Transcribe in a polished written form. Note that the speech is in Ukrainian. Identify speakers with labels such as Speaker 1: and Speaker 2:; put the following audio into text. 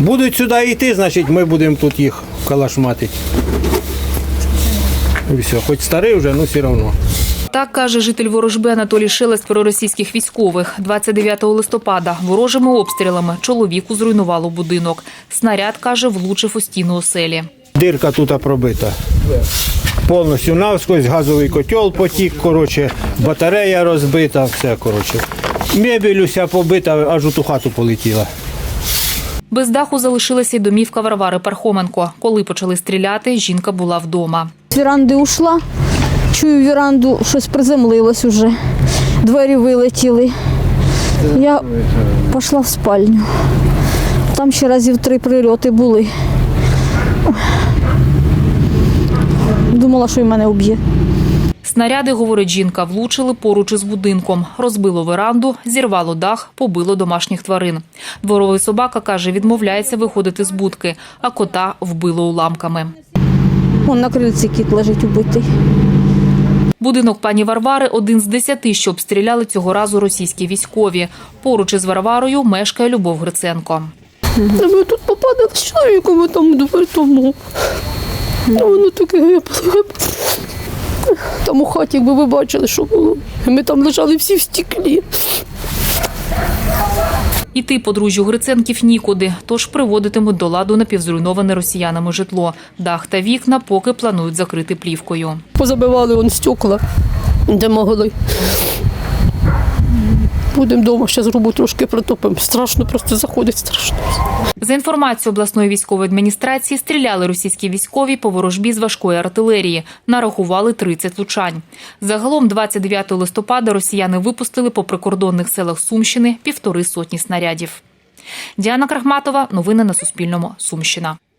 Speaker 1: Будуть сюди йти, значить ми будемо тут їх калашматити. І все, хоч старий вже, але все одно.
Speaker 2: Так каже житель Ворожби Анатолій Шелест про російських військових. 29 листопада ворожими обстрілами чоловіку зруйнувало будинок. Снаряд, каже, влучив у стіну оселі.
Speaker 1: Дирка тут пробита. Повністю навскось, газовий котел потік, батарея розбита, все, Мебель уся побита, аж у ту хату полетіла.
Speaker 2: Без даху залишилася й домівка Варвари Пархоменко. Коли почали стріляти, жінка була вдома.
Speaker 3: З віранди ушла, чую віранду, щось приземлилось уже, двері вилетіли. Я пішла в спальню. Там ще разів 3 прильоти були. Думала, що й мене уб'є.
Speaker 2: Снаряди, говорить жінка, влучили поруч із будинком. Розбило веранду, зірвало дах, побило домашніх тварин. Дворовий собака, каже, відмовляється виходити з будки, а кота вбило уламками.
Speaker 3: Вон на крильці кіт лежить убитий.
Speaker 2: Будинок пані Варвари – один з 10, що обстріляли цього разу російські військові. Поруч із Варварою мешкає Любов Гриценко.
Speaker 4: Ми тут попадали з чоловіком, там до тому. Воно таке гибло. Там у хаті, якби ви бачили, що було. Ми там лежали всі в стеклі.
Speaker 2: Іти подружжю Гриценків нікуди, тож приводитимуть до ладу напівзруйноване росіянами житло. Дах та вікна поки планують закрити плівкою.
Speaker 4: Позабивали стекла, де могли. Будемо вдома, ще зробу трошки протопимо. Страшно, просто заходить страшно.
Speaker 2: За інформацією обласної військової адміністрації, стріляли російські військові по Ворожбі з важкої артилерії. Нарахували 30 влучань. Загалом 29 листопада росіяни випустили по прикордонних селах Сумщини 1,5 сотні снарядів. Діана Крахматова. Новини на Суспільному. Сумщина.